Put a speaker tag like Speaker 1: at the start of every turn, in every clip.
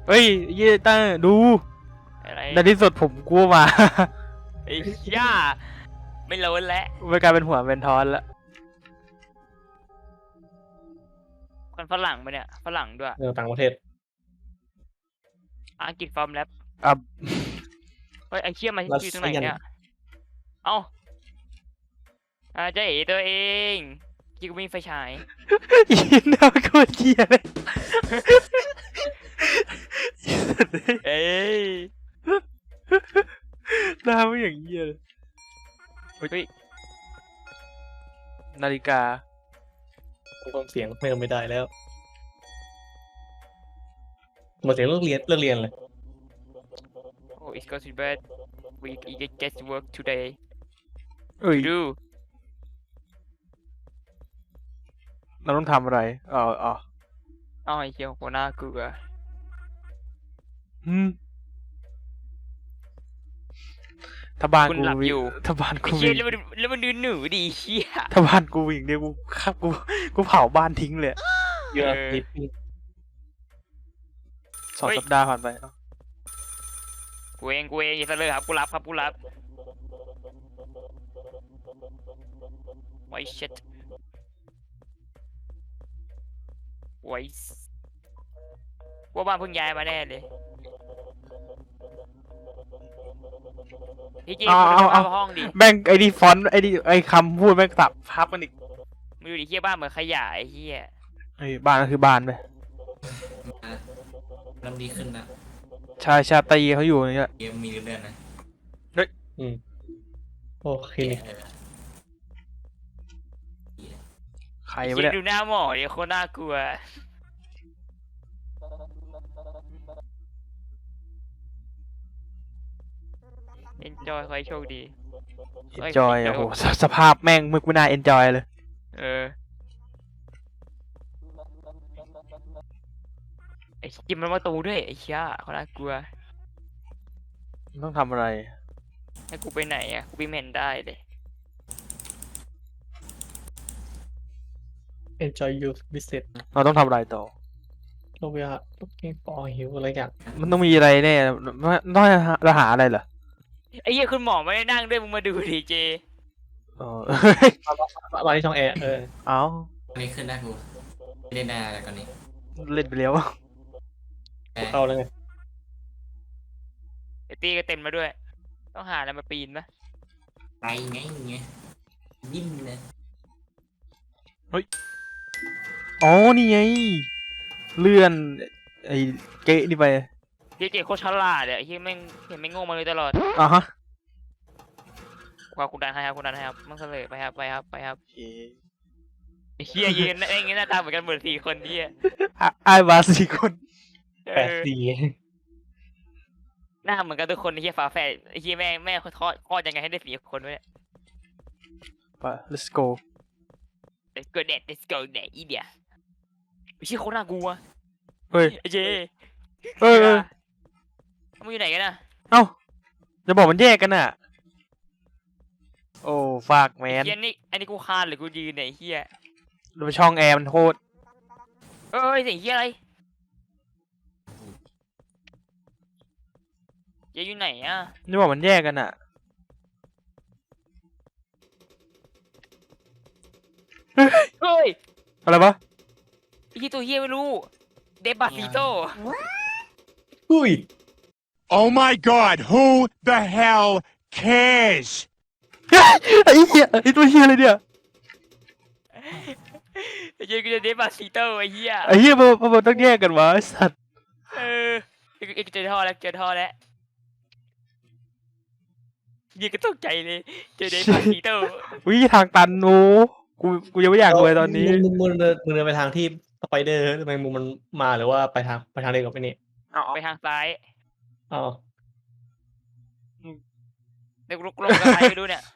Speaker 1: เฮ้ยเย่ต้าดู
Speaker 2: อะไร
Speaker 1: ในที่สุดผมกลัวมา
Speaker 2: ไอ้ย่าไม่โล้นแล้ว
Speaker 1: มันกลายเป็นหัวเป็นทอนแล้ว
Speaker 2: คนฝรั่งปะเนี่ยฝรั่งด้วย
Speaker 3: ต่างประเทศ
Speaker 2: อังกฤษฟอร์มแลบ
Speaker 1: อ่ะ
Speaker 2: เฮ้ยไอ้เชี่ยมาอยู่ตรงไหนเนี่ยเอ้าเจ๊ตัวเองกี้กูมีไฟฉาย
Speaker 1: ยินน่าโคตรเหี้ยเลย
Speaker 2: เอ้ย
Speaker 1: หน้าไม่อย่างเหี้ยเลย
Speaker 2: เฮ้ย
Speaker 1: นาฬิกา
Speaker 3: ฟังเสียงไม่ได้แล้วมาเสียงเลิกเรียนเลย
Speaker 2: oh it's got to bed we get to work today
Speaker 1: เอ้ย
Speaker 2: do
Speaker 1: เราต้องทำอะไรอ๋อ
Speaker 2: เอ้าไอ้เชี่ยหัวหน้ากูอะ
Speaker 1: ถ้าบ้าน
Speaker 2: คุณ
Speaker 1: กู
Speaker 2: หลับอยู่
Speaker 1: ถ้าบ้าน
Speaker 2: ไอ้
Speaker 1: กู
Speaker 2: เชี่ย
Speaker 1: วิ่ง
Speaker 2: แล้วมันดูหนูดิเชี่ย
Speaker 1: ถ้าบ้านกูวิ่งเนี่ยกูเผาบ้านทิ้งเลย
Speaker 3: เยอะนิด
Speaker 1: 2 สัปดาห์ผ่านไปเอ้า
Speaker 2: กูเองอย่าเสลอครับกูรับไว้เช็ดไว้ว่าบ้านเพิ่งย้ายมาแน่เลยพี่จีนมึงเข้าห้องดิ
Speaker 1: แม่งไอ้นี่ฟอนต์ไอ้คำพูดแม่งตับพับมันอีก
Speaker 2: มึงดูดิเฮียบ้านเหมือนขยะไอ้เฮีย
Speaker 1: ไอ้บ้านก็คือบ้านไป
Speaker 4: เริ่มดีขึ้นนะ
Speaker 1: ชาตรีเขาอยู่นี่แหละ
Speaker 4: เกมมีเรื่อยๆนะ
Speaker 3: โอ้คลินิก
Speaker 1: ใคร
Speaker 2: ไอ้
Speaker 1: วะ
Speaker 2: เฮีย
Speaker 1: เนี่ย
Speaker 2: ดูหน้าหมอดิโคตรน่ากลัวเอ็นจอยขอให้โชคดี
Speaker 1: เอนจอยโอ้โหสภาพแม่งมึกไม่น่าเอนจอยเลย
Speaker 2: เออไอ้จิมมันมาตูด้วยไอ้เชี่ยเขาน่ากลัว
Speaker 1: ต้องทำอะไร
Speaker 2: ให้กูไปไหนอ่ะกูไปเมนได้เลย
Speaker 3: enjoy your visit
Speaker 1: เราต้องทำอะไรต่อ
Speaker 3: โลเวีย looking for หิวอะไรอย่าง
Speaker 1: มันต้องมีอะไรแน่ต้องให้เราหาอะไรเหรอ
Speaker 2: ไอ้เหี้ยคุณหมอไม่ได้นั่งด้วยมึงมาดูดิเจ
Speaker 1: เออ
Speaker 3: มาที่ช่องแอร์
Speaker 1: เอา
Speaker 4: ตอนนี้ขึ้นได้กูไม่ได้แน่อะไรก่อนนี้
Speaker 1: เล่นไปแล้ว
Speaker 3: เข้าแล้วไง
Speaker 2: ไอ้ตีก็เต็มมาด้วย ต้องหาอะไรมาปีนปะ
Speaker 4: ไปไงยิ้มเลย
Speaker 1: อ๋อนี่ไงเลื่อนไอ้เกะนี่ไป
Speaker 2: เจโคตรฉลาดเลยไอ้เหี้ยแม่งเห็นไม่งงมาเลยตลอด
Speaker 1: อ่ะฮะ
Speaker 2: คุณดันให้ครับมึงเสลอไปครับ
Speaker 1: โอเค
Speaker 2: ไอ้เหี้ยยืนไอ้เงี้ยหน้าตาเหมือนกันเหมือน4 คนเหี้ย
Speaker 1: ไอ้บา4 คน
Speaker 2: เอ
Speaker 3: 8
Speaker 2: อ
Speaker 3: 4
Speaker 2: หน้าเหมือนกันทุกคนไอ้เหี้ยฝาแฝดไอ้เหี้ยแม่คลอดยังไงให้ได้4 คนวะเนี่ย
Speaker 1: ไป let's go
Speaker 2: let's go there อีเดียไอ้เหี้ยโคตรน่ากลัว
Speaker 1: เฮ้ย
Speaker 2: ไอ้เจ
Speaker 1: เอ้ย
Speaker 2: มึงอยู่ไหนกันนะ
Speaker 1: เอ้าจะบอกมันแยกกันน่ะ โอ้ฝากแมน
Speaker 2: เหี้ยนี่อันนี้กูคานหรือกูยืนเนี่ยไอ้เหี้ย
Speaker 1: ดูช่องแอร์มันโคตร
Speaker 2: เอ้ยเสียงเหี้ยอะไรเจ๊อยู่ไหนอ่ะ
Speaker 1: จะบอกมันแยกกันน่ะ
Speaker 2: เฮ้ย
Speaker 1: อะไรวะ
Speaker 2: ไอ้ที่ตัวเหี้ยไม่รู้เดบาซิโต
Speaker 3: อุ้ย
Speaker 5: Oh my god, who the hell cares?
Speaker 1: ไอ้เหี้ยไอ้ตัวเหี้ยอะไรเนี่ย
Speaker 2: ไอ้เจ๊กูจะเดบาซิโตไอ้เหี้ย
Speaker 1: ไอ้เหี้ยมันต้องแยกกันวะไอ้สัตว์
Speaker 2: เออเจอท่อแล้วยิงก็ตกใจเลยเจอเดบาซิโต
Speaker 1: วิทางตันโอ้กูยังไม่อยากรวยตอนนี้
Speaker 3: มึงเดินไปทางที่สไปเดอร์ทำไมมึงมันมาหรือว่าไปทางเดียวกับไอ้นี่
Speaker 2: ไปทางซ้าย
Speaker 3: อ๋อ
Speaker 2: เดี๋ยวลงกับใครไม่รู้เนี่ย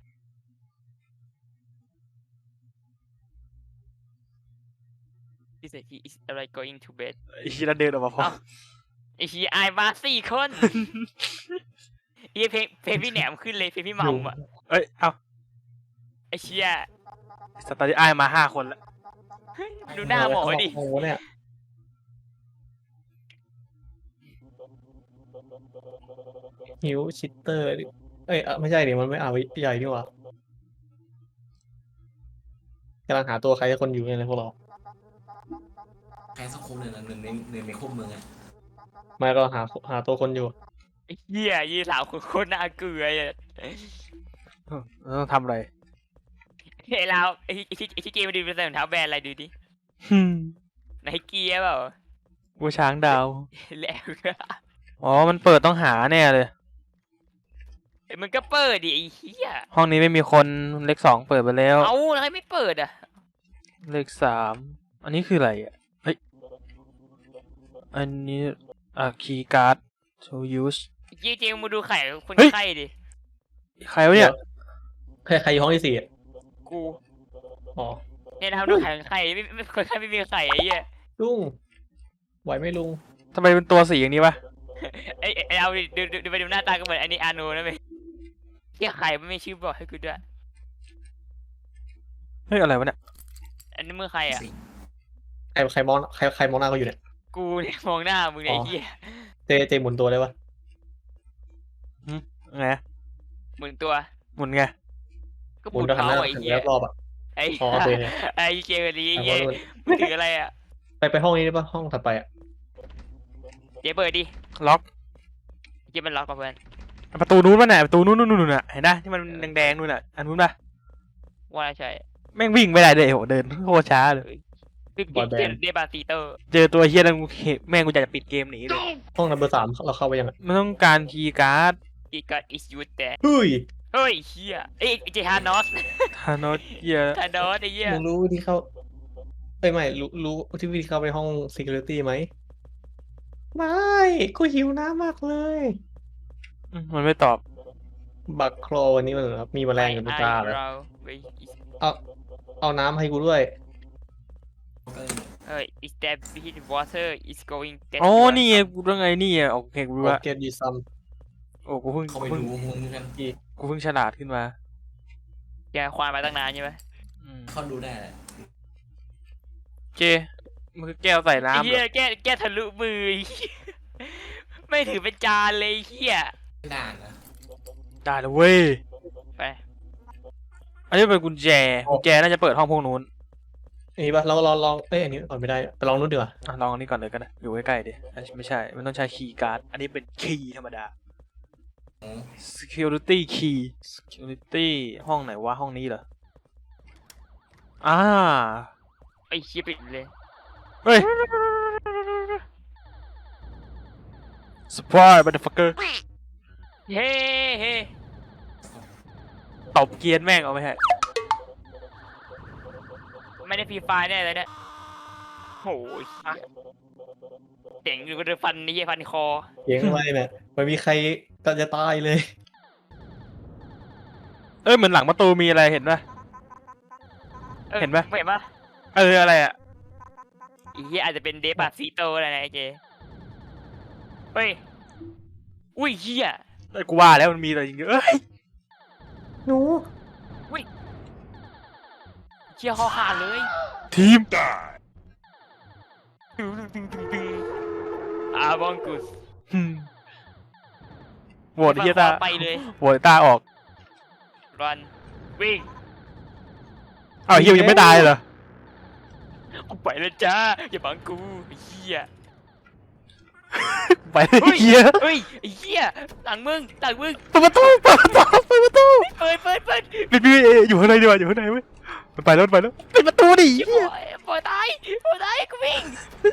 Speaker 2: He said he is like going to bed
Speaker 1: ไอ้เหี้ยเดินออกมาพร้อม
Speaker 2: ไอ้เหี้ยอายมา4 คนไอ้เพลงพี่แหนมขึ้นเลยเพลงพี่มัมอ่ะ
Speaker 1: เอ้ยเอ้า
Speaker 2: ไอ้เชี่ย
Speaker 1: สตาร์ทไอ้มา5 คนแล้ว
Speaker 2: ดูหน้าหมอดิ
Speaker 3: โอ้โหเนี่ยฮิวชิตเตอร์เอ้ยไม่ใช่ดิมันไม่เอาใหญ่นี่หว่ากำลังหาตัวใครสักคนอยู่เนี่ยเลยพวกเรา
Speaker 4: ใครสักคนหนึ่งอะหนึ่งในคุกมึงอะ
Speaker 3: ไม่ก็หาตัวคนอยู่
Speaker 2: ไอ้เหี้ยยี่สาวโคตรน่าเกลืออ่ะ
Speaker 1: ต้องทำอะไร
Speaker 2: ไอ้เราไอ้ที่เกมมาดูเป็นใส่รองเท้าแบรนด์อะไรดูดิ
Speaker 1: ฮึม
Speaker 2: ไนเกียเปล่า
Speaker 1: กูช้างดาว
Speaker 2: แล้ว
Speaker 1: อ๋อ มันเปิดต้องหาแน่เลย
Speaker 2: มันก็เปิดดิไอ้เหี้ย
Speaker 1: ห้องนี้ไม่มีคนเลขสองเปิดไปแล้ว
Speaker 2: เอาแล้วไม่เปิดอ่ะ
Speaker 1: เลขสาม อันนี้คืออะไรอ่ะ เฮ้ย อันนี้คีย์การ์ด to use
Speaker 2: จริงๆมาดูไข่คน
Speaker 1: เฮ้ย
Speaker 2: ไข้ดิ
Speaker 1: ใครวะเนี่ย
Speaker 3: ใครอยู่ห้องที่สี่อะ
Speaker 2: กู
Speaker 3: อ๋อ
Speaker 2: เนี่ยนะครับดูไข่คนไข้ไม่คนไข้ไม่มีไข่ไอ้เหี้ย
Speaker 3: ลุงไหวไหมลุง
Speaker 1: ทำไมเป็นตัวสีอย่างนี้วะ
Speaker 2: ไอ้เราดูไปดูหน้าตาก็เหมือนอันนี้อาโนนะเว้ยเหี้ยไข่ไม่มีชื่อบอกให้กูด้วย
Speaker 1: เฮ้ย อะไรวะเนี่ย
Speaker 2: อันนี้มือใครอ่ะ
Speaker 3: ใครมองใครมองหน้าเขาอยู่เนี่ย
Speaker 2: กูเนี่ยมองหน้ามึงเนี่ย
Speaker 3: อ๋อ
Speaker 2: ไอ้เหี้ย
Speaker 3: เจหมุนตัวได้ปะ
Speaker 1: ไง
Speaker 2: หมุนตัว
Speaker 1: หมุนไง
Speaker 2: ก็ห
Speaker 3: หมุ
Speaker 2: มุ
Speaker 3: น
Speaker 2: น
Speaker 3: ตัวหันห
Speaker 2: เมา
Speaker 3: น้า
Speaker 2: ส์ไอ้
Speaker 3: หัน
Speaker 2: เหี้ย
Speaker 3: รอบๆอ่ะ
Speaker 2: ไอ้
Speaker 3: อ๋อโอเค
Speaker 2: ไอ้เกมนี้ไอ้
Speaker 3: แต่
Speaker 2: เหี้ย
Speaker 3: ว่า
Speaker 2: มึงถืออะไรอ่ะ
Speaker 3: ไปห้องนี้ได้ปะห้องถัดไปอ่ะ
Speaker 2: เจ๊เปิดดิ
Speaker 1: ล็อก
Speaker 2: เจ๊มันล็อกกับเพื่อน
Speaker 1: ประตูนู้นป่ะเนี่ยประตูนู้นน่ะ เห็นนะที่มันแดงๆนู่นน่ะ อันนู้นป่ะ
Speaker 2: ว่าใช่
Speaker 1: แม่งวิ่งไม่ได้เลยโหเดินโคตรช้าเลย
Speaker 2: คือเดบาติเตอร์
Speaker 1: เจอตัวเฮียนั่นกูเห็นแม่งกูอยากจะปิดเกมหนีเลย
Speaker 3: ห้องนัมเบอร์ 3เราเข้าไปยังอะ
Speaker 1: มันต้องการคีย์การ์ด
Speaker 2: อีกัดอิสยูแต่
Speaker 3: เฮ้ย
Speaker 2: เฮ้ยเฮียเอ้ยเจฮานอส
Speaker 1: ธานอสเฮีย
Speaker 2: ฮานอสไอ้เหี้ย
Speaker 3: มึงรู้วิธีเข้าเอ้ยไม่รู้ที่วิธีเข้าไปห้อง security ไหมไม่กูหิวน้ำมากเลย
Speaker 1: มันไม่ตอบ
Speaker 3: บักโครวันนี้มันแบบมีแมลงอยู่บนตาเลย
Speaker 2: เรา
Speaker 3: เอาน้ำให้กูด้วย
Speaker 4: ก็
Speaker 2: เฮ้ย is that with water is going that
Speaker 1: อ๋อนี่ไงกูต้องไงนี่อ่ะโอเคกูรู้ละ
Speaker 3: get you some
Speaker 1: โอ้กูเพิ่ง
Speaker 4: เขาไม่รู้มึงกัน
Speaker 1: กูเพิ่งฉลาดขึ้นมา
Speaker 2: แกควานมาตั้งนานใช่ไหม
Speaker 4: เขาดูได้แหละ
Speaker 1: เจมันคือแก้วใส่
Speaker 2: ไอ้
Speaker 1: น้ำเห
Speaker 2: เหี้
Speaker 1: ร
Speaker 2: ย
Speaker 1: อ
Speaker 2: แกทะลุมือไอ้เหี้ยไม่ถือเป็นจานเลยไอ้เหี้ย
Speaker 4: ไม่ด่านนะ
Speaker 1: ได้แล้วเว้ย
Speaker 2: ไป
Speaker 1: อันนี้เป็นกุญแจน่าจะเปิดห้องพวกนู้น
Speaker 3: อันนี้ปะเราลองเอ้ยอันนี้ก่อนไม่ได้ไปลองนู้นดีกว่า
Speaker 1: ลองอันนี้ก่อนเลยก็ได้อยู่ใกล้ๆดิอันนี้ไม่ใช่มันต้องใช้คีย์การ์ดอันนี้เป็นคีย์ธรรมดา security key security ห้องไหนวะห้องนี้เหรอ
Speaker 2: ไอ้เหี้ยปิดเลย
Speaker 1: เฮ้ย surprise motherfucker
Speaker 2: เฮ้เฮ้
Speaker 1: ตบเกียร์แม่งเอาไปฮะ
Speaker 2: ไม่ได้ฟรีไฟล์แน่เลยเนี่ยโอ้ยเจ๋งอยู่ก็จะฟันนี่ฟันคอ
Speaker 3: เสียงอะไรเนี่ยไม่มีใครก็จะตายเลย
Speaker 1: เอ้ยเหมือนหลังประตูมีอะไรเห็นปะ เห็นปะ
Speaker 2: เห็นปะ
Speaker 1: อะไรอ่ะ
Speaker 2: อีเหี้ยอาจจะเป็นเดปาซิโตอะไรนะไอ้เจเฮ้ยอุ้ยเหี้ย
Speaker 1: เอ้ยกูว่าแล้วมันมีอะไรจริงๆเอ้ย
Speaker 3: หนู
Speaker 2: เชี่ยคอขาดเลย
Speaker 1: ทีม
Speaker 2: อาบองกุส
Speaker 1: โหวตเฮียตา
Speaker 2: ไปเลย
Speaker 1: โหวตตาออก
Speaker 2: รันวิ่ง
Speaker 1: อ้าวเฮียยังไม่ตายเหรอ
Speaker 2: กูไปแล้วจ้าอย่าบังกูไอ้เหี้ย
Speaker 1: ไปเฮีย
Speaker 2: เฮ้ยไอ้เหี้ยหลังมึง
Speaker 1: เปิดประตูเปิดประตู
Speaker 2: เปิด
Speaker 1: พี่อยู่ข้างในดีกว่าอยู่ข้างในเว้ยมันไปแล้วปิดประตูดิ
Speaker 2: เหี้ยปล่อยตายกูวิ่ง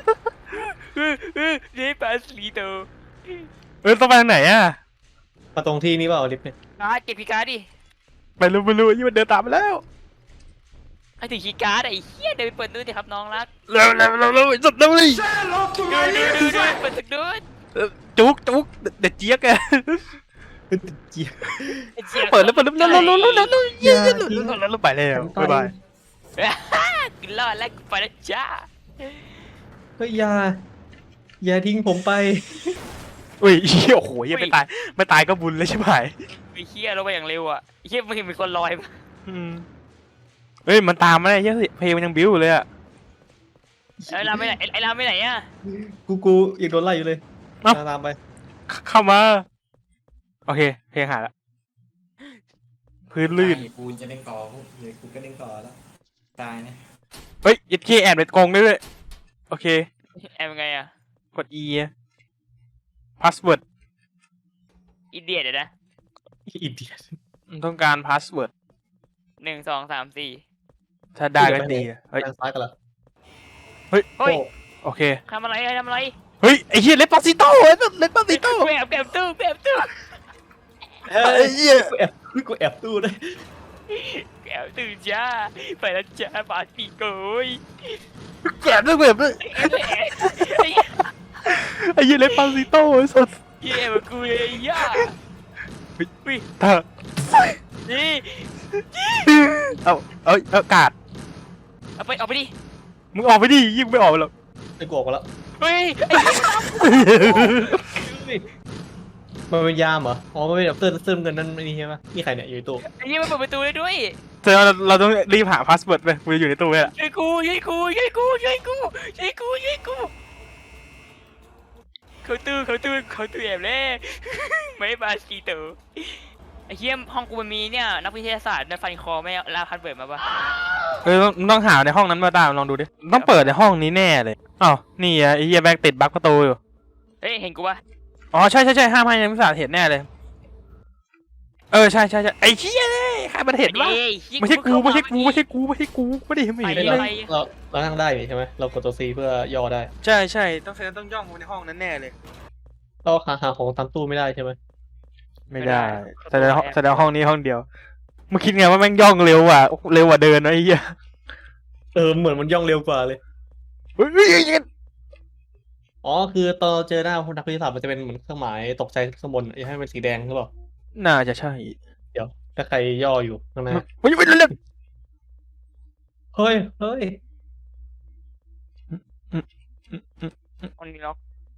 Speaker 2: เดปาซิโต
Speaker 1: ต้องไปทางไหนอ่ะ
Speaker 3: มาตรงที่นี่เปล่าลิฟต์เนี่ย
Speaker 2: การ์ดเก็บคีย์การ์ดดิ
Speaker 1: ไม่รู้ยี่มันเดินตามมาแล้ว
Speaker 2: ให้ถึงคีย์การ์ดไอ้เหี้ยเดินไปเปิดดูดิครับน้องรัก
Speaker 1: เร็วสุดเร็วเลย
Speaker 2: ดูเปิดตึกดู
Speaker 1: จุกเด็ดเจี๊ยกอะ เปิดแล้วเร็วเย้แล้วไปแล้วบ๊ายบาย
Speaker 2: กินรอดแล้วกูไปแล้วจ้า
Speaker 3: เฮ้ยอย่าทิ้งผมไป
Speaker 1: อุ้ยโอ้โหยังไม่ตายก็บุญเลยใช่ไหม
Speaker 2: ไอ้เหี้ยลงไปอย่างเร็วอ่ะไอ้เหี้ยมึงเห็นมีคนลอยปะ
Speaker 1: เฮ้ยมันตามมาได้เยอะสิเพลงมันยังบิ้วเลยอะ
Speaker 2: ไอ้ลามไปไหนอ่ะ
Speaker 3: กูยังโดนไล่อยู่เลย
Speaker 1: เอ้า
Speaker 3: ตามไป
Speaker 1: เข้ามา โอเค เพลงหายละพื้นลื่น
Speaker 4: ตายปูนจะเล่นก่อพวกเดี๋ยวกูก็เล่นก่อแล้วตายนะ
Speaker 1: เฮ้ยยัดขี้แอบเป็นกงได้ด้วยโอเค
Speaker 2: แอมไงอ่ะ
Speaker 1: กด E password
Speaker 2: อีเดียดเดี๋ยวนะ
Speaker 3: อินเดีย
Speaker 1: ต้องการ password
Speaker 2: 1 2 3 4
Speaker 1: ถ้าได้ก็ดีอะเฮ้ย
Speaker 3: ทางซ้ายกันเหรอ
Speaker 2: เฮ้ย
Speaker 1: โอเค
Speaker 2: ทำอะไรทำอะไร
Speaker 1: เฮ้ย ไอ้เหี้ยเลปาซิโต้เลปาซิโต้
Speaker 2: แอบตู้แอบตู้
Speaker 3: เฮ้
Speaker 1: ไอ้
Speaker 3: ย
Speaker 1: เหี้ย
Speaker 3: กูแอบตู้ด้วย
Speaker 2: แอบตู้จ้าไปแล้วจ้าบาปีโกย
Speaker 1: แกะด้วยแบบด้วยไอ้เหี้ยเลปาซิโต้ไอ้สัส
Speaker 2: เย่มากูเลยย่า
Speaker 1: ถ้า
Speaker 2: นี่
Speaker 1: เอากาด
Speaker 2: เอาไปดิ
Speaker 1: มึงออกไปดิยิ่งไม่ออกไปหรอก
Speaker 3: ไอ้กูออกมาแล้ว
Speaker 2: เฮ้ย
Speaker 3: มันเป็นยามเหรออ๋อมันเป็นแบบเสื้อเงินนั่นนี่ใช่ไหมนี่ใครเนี่ยอยู่ในตู้
Speaker 2: ไอ้เหี้ยมันเปิดประตูได้ด้วย
Speaker 1: แสดงว่าเราต้องรีบหาพาสเวิร์ดไปกูจะอยู่ในตู้ไว้ละ
Speaker 2: ช่วยกูเขาตู้แอบแล้วไม่บาสีเต๋อไอ้เหี้ยห้องกูมันมีเนี่ยนักวิทยาศาสตร์ในฟันคอไม่ลาพันเปิดมาปะ
Speaker 1: ต้องหาในห้องนั้นมาตามลองดูดิต้องเปิดในห้องนี้แน่เลยอ้าวนี่อ่ะไอ้เหี้ยแบงค์ติดบั๊กประตูอยู่
Speaker 2: เฮ้ยเห็นกูปะ
Speaker 1: อ๋อใช่ห้ามให้นักวิทยาศาสตร์เห็นแน่เลยใช่ไอ้เหี้ยใครมันเห็นวะไม่ใช่กูไม่ได้เห็นไม่
Speaker 3: เรานั่งได้นี่ใช่ไหมเรากดตัว C เพื่อย่อได้
Speaker 1: ใช่ต้องย่องไปในห้องนั้นแน่เลย
Speaker 3: เราหาของตามตู้ไม่ได้ใช่ไหม
Speaker 1: ไม่ได้แสดงห้องนี้ห้องเดียวมึงคิดไงว่าแม่งย่องเร็วกว่าเดินนะไอ้เหี้ย
Speaker 3: เหมือนมันย่องเร็วกว่าเลย
Speaker 1: เฮ้ย
Speaker 3: อ๋อคือตอนเราเจอหน้าคนนักวิทยาศาสตร์มันจะเป็นเหมือนเครื่องหมายตกใจข้างบนอย่าให้มันสีแดงหรือเปล่า
Speaker 1: น่าจะใช่
Speaker 3: เดี๋ยวถ้าใครย่ออยู่ข้างหน้า
Speaker 1: เฮ้ยเรื่อง
Speaker 3: เฮ้ย
Speaker 2: คนนี้ล็อก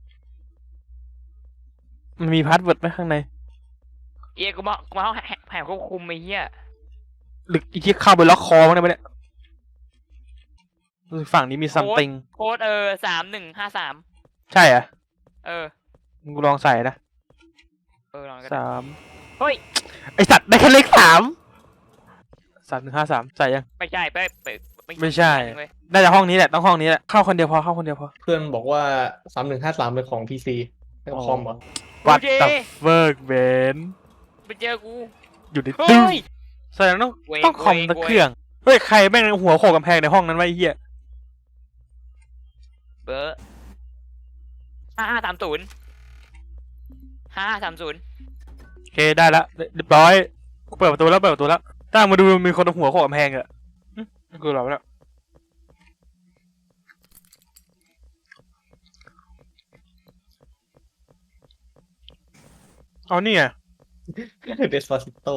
Speaker 1: มันมีพาสเวิร์ดไหมข้างใน
Speaker 2: เอ้ยกูมาห้องแผงควบคุมไอ้เหี้ย
Speaker 1: หรืออีกที่เข้าไปล็อกคอมั้งได้ไหมเนี่ยฝั่งนี้มีซัมติง
Speaker 2: โค้ด3153
Speaker 1: ใช่อ่ะ
Speaker 2: เ
Speaker 1: กูลองใส่นะ
Speaker 2: ลองกัน
Speaker 1: 3
Speaker 2: เฮ้ย
Speaker 1: ไอสัตว์ได้แค่เลข3 1 5 3ใส่ยัง
Speaker 2: ไม่ใช่ไป
Speaker 1: ไม่ใช่ น่าจะห้องนี้แหละต้องห้องนี้แหละเข้าคนเดียวพอ
Speaker 3: เพื่อนบอกว่า3153เป็นของ PC เป็นของคอมเหรอ
Speaker 1: วัดตับเวิร์กเบน
Speaker 2: ไปเจอกู
Speaker 1: อยู่ใน
Speaker 2: เฮ้
Speaker 1: ตู้
Speaker 2: ย
Speaker 1: แสดงต้องคอมตะเครื่องเฮ้ยใครแม่งหัวโขกกำแพงในห้องนั้นไว้ไอ้เหี้ย
Speaker 2: เบอร์5530
Speaker 1: โอเคได้ละเรียบร้อยกูเปิดประตูแล้วตั้งมาดูมีคนเอาหัวโขกกำแพงอะกูหลับแล้วเอานี่ไง
Speaker 3: เดสปาซิโต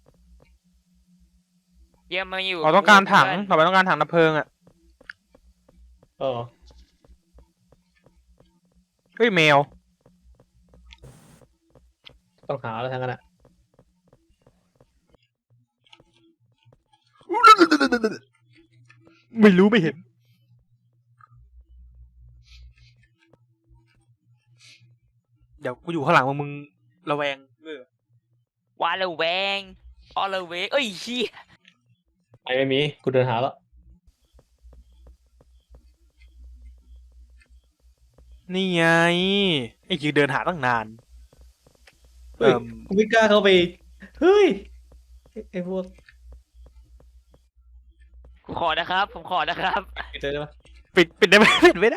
Speaker 2: เยี่ยมมาอยู่
Speaker 1: เราต้องการถังต่อไปต้องการถังดับเพลิงอะ
Speaker 3: อ๋อ
Speaker 1: เฮ้ยแมว
Speaker 3: ต้องหาแล้วทั้งนั้นอ่ะ
Speaker 1: ไม่รู้ไม่เห็นเดี๋ยวกูอยู่ข้างหลังมึงระแวง
Speaker 2: วาละแวงออละเวงเอ้ยเหี้ย
Speaker 3: ไม่มีกูเดินหาแล้ว
Speaker 1: นี่ไงไอ้ยืนเดินหาตั้งนาน
Speaker 3: เฮ้ยกูไม่กล้าเข้าไปเฮ้ยไอ้พวก
Speaker 2: ผมขอนะครับ
Speaker 3: ปิดเลยได้ปะ
Speaker 1: ปิดได้ไหมปิดไม่ได้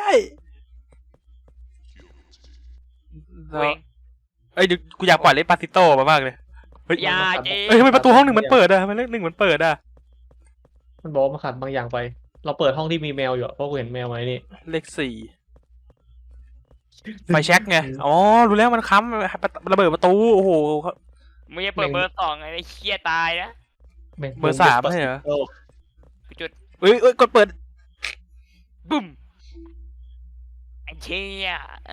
Speaker 2: เวง
Speaker 1: เอ้ยเดี๋ยวกูอยากปล่อยเลปาซิโต้มามากเลยเฮ้ย
Speaker 2: อย่าเจ๊
Speaker 1: เอ้ยทำไมประตูห้องหนึ่งมันเปิดอะทำไมเลขหนึ่งมันเปิดอะ
Speaker 3: มันบอกว่ามาขาดบางอย่างไป เราเปิดห้องที่มีแมวอยู่อะเพราะกูเห็นแมวไว้นี่
Speaker 1: เลข4ไฟแช็กไงอ๋อรู้แล้วมันค้ำระเบิดประตูโอ้โห
Speaker 2: มึงจะเปิดเบอร์2ไอ้เหี้ยตายนะ
Speaker 1: เบอร์3ไม่ใช่เหรอ
Speaker 3: โอ้
Speaker 2: จุด
Speaker 1: เอ้ยกดเปิด
Speaker 2: บุ้มไอ้เชี่ย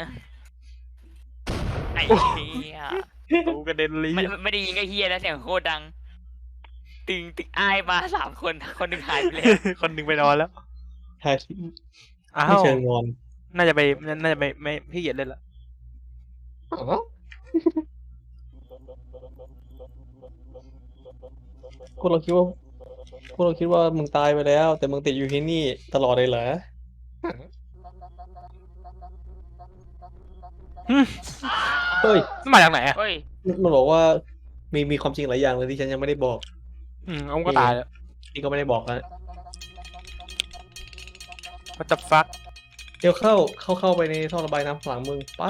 Speaker 2: ไอ้เชี่ย
Speaker 1: กูกระเด็นเลย
Speaker 2: ไม่ได้ยิงไอ้เหี้ยแล้วเสียงโคตรดังตึงอ้ายมา3 คนคนหนึ่งหายไปแล้ว
Speaker 1: คนหนึ่งไปนอนแล้ว
Speaker 3: ใช่
Speaker 1: อ้า
Speaker 3: ไม่
Speaker 1: ว
Speaker 3: เชิงงอน
Speaker 1: น่าจะไปไม่พี่เหยียดเล่นละ
Speaker 3: อ๋อพวกเราคิดว่าพวกเราคิดว่ามึงตายไปแล้ว แต่มึงติดอยู่ที่นี่ตลอดเลยเหรอ
Speaker 1: หึ
Speaker 3: เฮ้ย
Speaker 1: มันมาจากไหนอ่ะ
Speaker 2: เฮ้ย
Speaker 3: มันบอกว่ามีความจริงหลายอย่างเลยที่ฉันยังไม่ได้บอก
Speaker 1: เอามันก็ตายแล้ว
Speaker 3: นี่ก็ไม่ได้บอกนะ
Speaker 1: มันจะฟัก
Speaker 3: เดี๋ยวเข้าไปในท่อระบายน้ำข้างหลังมึงไป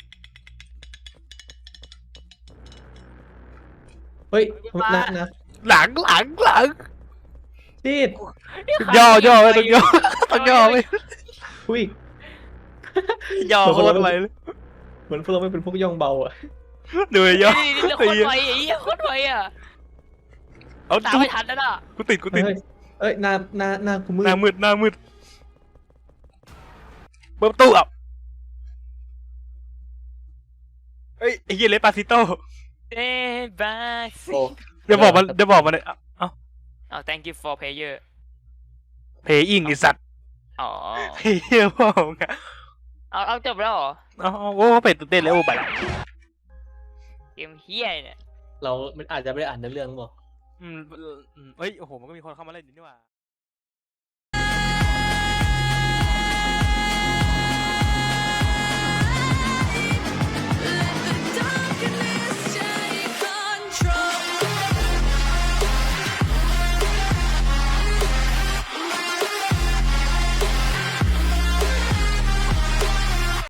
Speaker 3: เฮ้ย
Speaker 2: มา
Speaker 3: นะ
Speaker 1: หลัง
Speaker 3: จีด
Speaker 1: ย่อไม่ต้องย่อต้องย่อไม่
Speaker 3: อุ้ย
Speaker 1: ย่อโคตรไปเลย
Speaker 3: เหมือนพวกเราไม่เป็นพวกย่องเบาอ่ะ
Speaker 1: ดูไอ้ย่อ
Speaker 2: นี่โคตรไวไอ้เหี้ยโคตรไวอ่ะ
Speaker 1: เอา
Speaker 2: ตาม
Speaker 1: จุ๊
Speaker 2: ไม่ทันแล้วน่ะ
Speaker 1: กูติด
Speaker 3: เฮ้ยเอ้ยหน้ากูมืด
Speaker 1: หน้ามืดเปิดประตูอ่ะเฮ้ยไอ้เหี้ยเลปาซิโต้
Speaker 2: เอ้บาย
Speaker 3: โอ้
Speaker 1: เดี๋ยวบอกมันเลยเอ้า
Speaker 2: เอา thank you for player
Speaker 1: เพย์อิงไอ้สัตว์
Speaker 2: อ๋อ
Speaker 1: เฮียพ่อมึงอะ
Speaker 2: เอาจบแล้วเหรอ
Speaker 1: เอาโอ้เป็ดตื่นเต้นแล้วโอ้ไปละ
Speaker 2: เกมเฮียเนี่ย
Speaker 3: เราอาจจะไม่ได้อ่านเนื้อเรื่องหรอก
Speaker 1: เอ้ยโอ้โหมันก็มีคนเข้ามาเล่นอยู่นี่หว่า